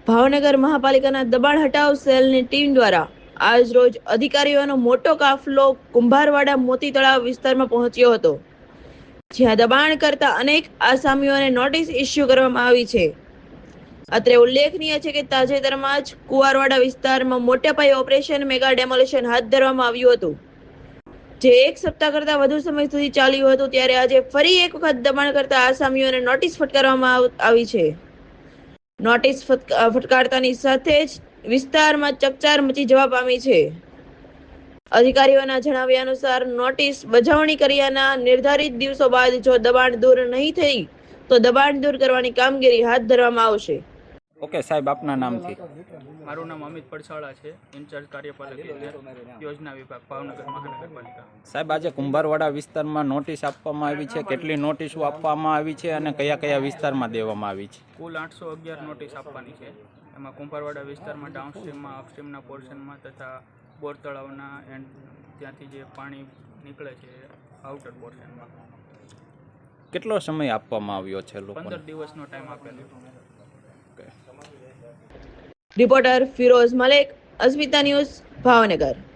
ભાવનગર મહાપાલિકાના દબાણ હટાવ સેલની ટીમ દ્વારા આજ રોજ અધિકારીઓનો મોટો કાફલો કુંભારવાડા મોતી તળાવ વિસ્તારમાં પહોંચ્યો હતો, જ્યાં દબાણ કરતા અનેક આસામીઓને નોટિસ ઇસ્યુ કરવામાં આવી છે. અત્રે ઉલ્લેખનીય છે કે તાજેતરમાં જ કુંવારવાડા વિસ્તારમાં મોટા પાયે ઓપરેશન મેગા ડેમોલિશન હાથ ધરવામાં આવ્યું હતું, જે એક સપ્તાહ કરતા વધુ સમય સુધી ચાલ્યું હતું. ત્યારે આજે ફરી એક વખત દબાણ કરતા આસામીઓને નોટિસ ફટકારવામાં આવી છે. નોટિસ ફટકારતાની સાથે જ વિસ્તારમાં ચકચાર મચી જવા પામી છે. અધિકારીઓના જણાવ્યા અનુસાર નોટિસ બજાવણી કર્યાના નિર્ધારિત દિવસો બાદ જો દબાણ દૂર નહીં થઈ તો દબાણ દૂર કરવાની કામગીરી હાથ ધરવામાં આવશે. ઓકે સાહેબ, આપના નામથી. મારું નામ અમિત પડસાળા છે, ઇન્ચાર્જ કાર્યપાલક યોજના વિભાગ, ભાવનગર મહાનગરપાલિકા. સાહેબ, આજે કુંભારવાડા વિસ્તારમાં નોટિસ આપવામાં આવી છે. કેટલી નોટિસો આપવામાં આવી છે અને કયા કયા વિસ્તારમાં દેવામાં આવી છે? કુલ 811 નોટિસ આપવાની છે. એમાં કુંભારવાડા વિસ્તારમાં ડાઉનસ્ટ્રીમમાં, અપસ્ટ્રીમના પોર્શનમાં તથા બોર તળાવના એન્ડ ત્યાંથી જે પાણી નીકળે છે આઉટર પોર્શનમાં. કેટલો સમય આપવામાં આવ્યો છે? 15 દિવસનો ટાઈમ આપેલો. Reporter Firoz Malek, Asmita news, Bhavnagar.